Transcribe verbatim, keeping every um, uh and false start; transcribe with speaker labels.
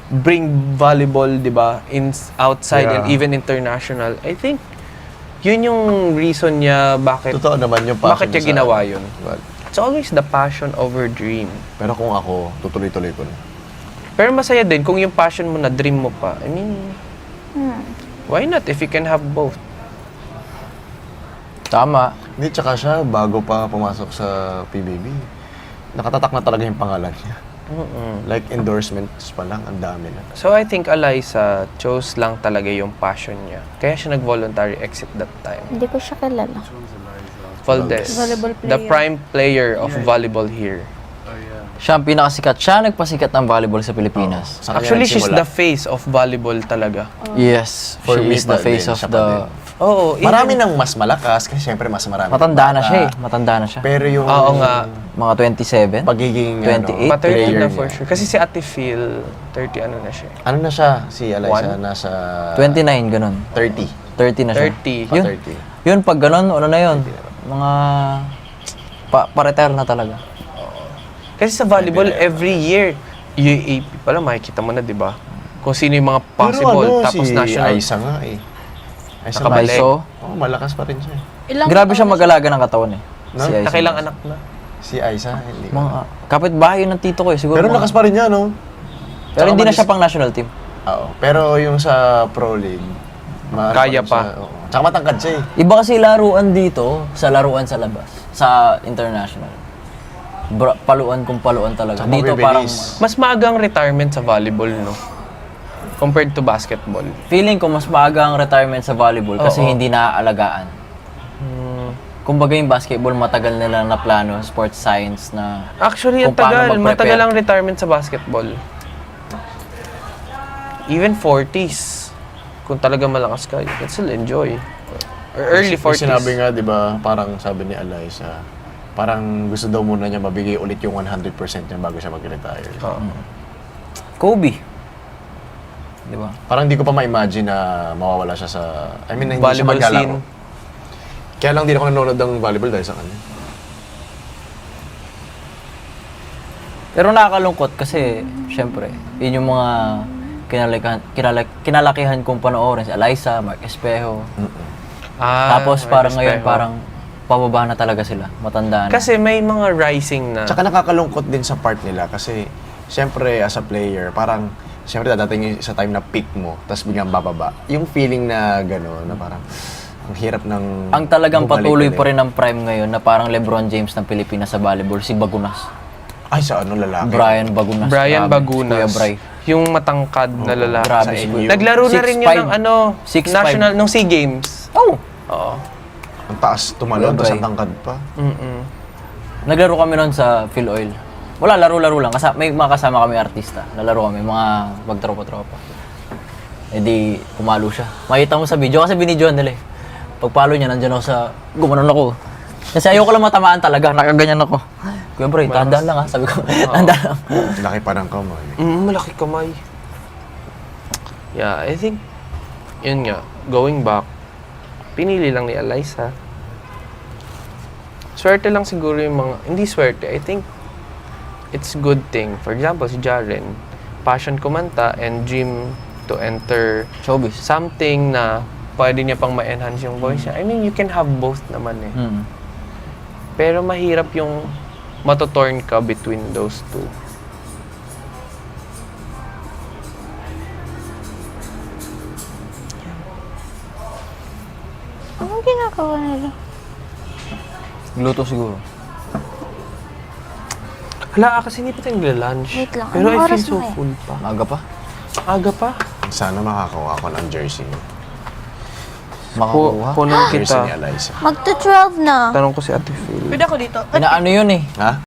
Speaker 1: bring volleyball, di ba, in outside
Speaker 2: Yeah.
Speaker 1: and even international. I think yun yung reason niya bakit
Speaker 2: Totoo naman yung passion
Speaker 1: bakit niya
Speaker 2: sa-
Speaker 1: ginawa yun.
Speaker 2: Well,
Speaker 1: It's always the passion over dream.
Speaker 2: pero kung ako, tutuloy-tuloy ko na.
Speaker 1: Pero masaya din kung yung passion mo na dream mo pa. I mean,
Speaker 3: Hmm.
Speaker 1: why not if you can have both?
Speaker 4: Tama.
Speaker 2: Hindi, tsaka siya, bago pa pumasok sa P B B, nakatatak na talaga yung pangalan niya.
Speaker 1: Mm-mm.
Speaker 2: Like, endorsements pa lang, ang dami na.
Speaker 1: So I think Eliza chose lang talaga yung passion niya. Kaya siya nag-voluntary exit that time.
Speaker 3: Hindi ko siya kilala.
Speaker 1: Valdez,
Speaker 3: Volleyball
Speaker 1: the
Speaker 3: player.
Speaker 1: prime player of volleyball here.
Speaker 4: Siya ang pinakasikat. Siya ang nagpasikat ng volleyball sa Pilipinas.
Speaker 2: Sa kanya
Speaker 1: Actually, she's
Speaker 2: nagsimula.
Speaker 1: the face of volleyball talaga.
Speaker 4: Yes.
Speaker 2: For
Speaker 4: she
Speaker 2: me
Speaker 4: is the
Speaker 2: pa
Speaker 4: face
Speaker 2: din,
Speaker 4: of
Speaker 2: siya pa
Speaker 4: the...
Speaker 2: din.
Speaker 1: Oo, even-
Speaker 2: Marami nang mas malakas, kasi syempre mas marami.
Speaker 4: Matanda na
Speaker 2: bata.
Speaker 4: siya eh. Matanda na siya.
Speaker 2: Pero yung
Speaker 1: Oo nga.
Speaker 4: Mga twenty-seven?
Speaker 2: pagiging
Speaker 4: twenty-eight,
Speaker 2: ano,
Speaker 1: Pa thirty
Speaker 2: player
Speaker 1: na for
Speaker 2: niya.
Speaker 1: sure. Kasi si Ate Phil, thirty ano na siya.
Speaker 2: Ano na siya, si Eliza,
Speaker 1: One?
Speaker 2: nasa
Speaker 4: twenty-nine, ganun.
Speaker 2: thirty.
Speaker 4: thirty na siya.
Speaker 1: thirty.
Speaker 2: Pa
Speaker 4: Yun,
Speaker 2: thirty.
Speaker 4: yun pag ganun, ano na yun? Mga... Pa, pa-retire na talaga.
Speaker 1: Kasi sa volleyball, every year, U A P pala, makikita mo na, di ba? Kung sino yung mga possible,
Speaker 2: Pero ano,
Speaker 1: tapos
Speaker 2: si
Speaker 1: national.
Speaker 2: Aiza nga eh. Aiza
Speaker 1: Nakabalik.
Speaker 4: So,
Speaker 2: Oo, malakas pa rin siya eh.
Speaker 3: Ilang
Speaker 4: grabe siya
Speaker 3: taon na
Speaker 4: mag-alaga ng katawan eh.
Speaker 2: No?
Speaker 4: Si Aiza.
Speaker 1: Nakilang anak na.
Speaker 2: Si Aiza, hindi.
Speaker 4: Mga kapit-bahay yun ng tito ko eh. Siguro
Speaker 2: Pero
Speaker 4: mga-
Speaker 2: lakas pa rin niya, no?
Speaker 4: Pero hindi na
Speaker 2: Tsaka
Speaker 4: siya pang national team.
Speaker 2: Oo. Pero yung sa Pro League, ma-
Speaker 1: Kaya
Speaker 2: ano
Speaker 1: pa.
Speaker 2: siya, oo. Tsaka matangkad siya eh.
Speaker 4: Iba kasi laruan dito sa laruan sa labas. Sa international. Bra- paluan kung paluan talaga.
Speaker 2: Tsaka
Speaker 4: Dito
Speaker 2: mabibilis.
Speaker 4: parang...
Speaker 1: Mas maagang retirement sa volleyball, no? Compared to basketball.
Speaker 4: Feeling ko mas maaga ang retirement sa volleyball kasi
Speaker 1: Oo.
Speaker 4: hindi naaalagaan.
Speaker 1: Hmm.
Speaker 4: Kumbaga yung basketball, matagal nila na plano, sports science na...
Speaker 1: Actually, ang
Speaker 4: Kung paano
Speaker 1: tagal.
Speaker 4: mag-prepare.
Speaker 1: Matagal ang retirement sa basketball. Even forties. Kung talaga malakas ka, you can still enjoy. Or early
Speaker 2: May
Speaker 1: forties.
Speaker 2: Sinabi nga, di ba, parang sabi ni Eliza, parang gusto daw muna niya mabigay ulit yung one hundred percent niya bago siya mag-retire.
Speaker 1: Oo.
Speaker 4: Kobe. Di ba?
Speaker 2: Parang hindi ko pa ma-imagine na mawawala siya sa... I mean, na hindi siya
Speaker 1: Volleyball
Speaker 2: maglalaro.
Speaker 1: scene.
Speaker 2: Kaya lang di ako nanonood ng volleyball dahil sa kanya.
Speaker 4: Pero nakakalungkot kasi, syempre, yun yung mga kinalakihan, kinalak, kinalakihan kong panoorin. Si Eliza, Mark Espejo.
Speaker 1: Ah,
Speaker 4: Tapos
Speaker 1: may
Speaker 4: parang ngayon,
Speaker 1: respeto.
Speaker 4: parang pababa na talaga sila. Matanda na.
Speaker 1: Kasi may mga rising na.
Speaker 2: Tsaka nakakalungkot din sa part nila kasi syempre as a player, parang syempre dadating yung sa time na peak mo, tapos biglang bababa. Yung feeling na gano'n, na parang ang hirap ng...
Speaker 4: ang talagang
Speaker 2: bumalik
Speaker 4: patuloy
Speaker 2: ulit.
Speaker 4: pa rin ng prime ngayon na parang LeBron James ng Pilipinas sa volleyball, si Bagunas.
Speaker 2: Ay, sa ano lalaki?
Speaker 4: Brian Bagunas.
Speaker 1: Brian
Speaker 4: Grabe.
Speaker 1: Bagunas.
Speaker 4: Kuya Bray.
Speaker 1: Yung matangkad na lalaki.
Speaker 4: Grabe
Speaker 2: Sa
Speaker 4: si
Speaker 2: N U.
Speaker 4: Kuya.
Speaker 1: Naglaro na
Speaker 4: six
Speaker 1: rin yun
Speaker 4: five.
Speaker 1: ng ano,
Speaker 4: six five.
Speaker 1: national, nung SEA Games.
Speaker 4: Oh!
Speaker 1: Oo.
Speaker 2: Ang taas tumalon,
Speaker 4: Kuya
Speaker 2: tapos
Speaker 4: Bray.
Speaker 2: ang tangkad pa.
Speaker 1: Mm-mm.
Speaker 4: Naglaro kami noon sa Phil Oil. Wala, laro-laro lang. Kasi may mga kasama kami artista. Nalaro kami, mga magtropa-tropa. E di, pumalo siya. Makita mo sa video, kasi binidyoan nila eh. Pagpalo niya, nandiyan ako sa... Gumanon ako. Kasi ayoko lang matamaan talaga, nakaganyan ako. Kuya bro, tandaan lang ha, sabi ko. Tandaan lang.
Speaker 2: Laki pa ng kamay.
Speaker 1: Mm, malaki kamay. Yeah, I think, yun nga, going back, pinili lang ni Eliza. Swerte lang siguro yung mga, hindi swerte, I think, it's good thing. For example, si Jaren, passion kumanta and dream to enter
Speaker 4: Showbiz.
Speaker 1: something na pwede niya pang ma-enhance yung voice niya. I mean, you can have both naman eh.
Speaker 4: Hmm.
Speaker 1: Pero mahirap yung matotorn ka between those two.
Speaker 3: Anong ginagawa nila?
Speaker 4: Gluto siguro.
Speaker 1: Hala, ah, kasi hindi pa tayo nagla-lunch.
Speaker 3: Wait lang,
Speaker 1: Pero
Speaker 3: anong
Speaker 1: I
Speaker 3: oras
Speaker 1: feel so
Speaker 3: na kaya?
Speaker 1: full pa.
Speaker 4: Maaga pa.
Speaker 1: Aga pa.
Speaker 2: Sana makakakuha ko ng jersey.
Speaker 4: Makakuha.
Speaker 1: Punan
Speaker 2: Jersey ni
Speaker 1: kita.
Speaker 2: Eliza.
Speaker 3: Magto twelve na.
Speaker 1: Tanong ko si Ate Phil.
Speaker 3: Pwede ako dito.
Speaker 4: Inaano yun eh.
Speaker 2: Ha?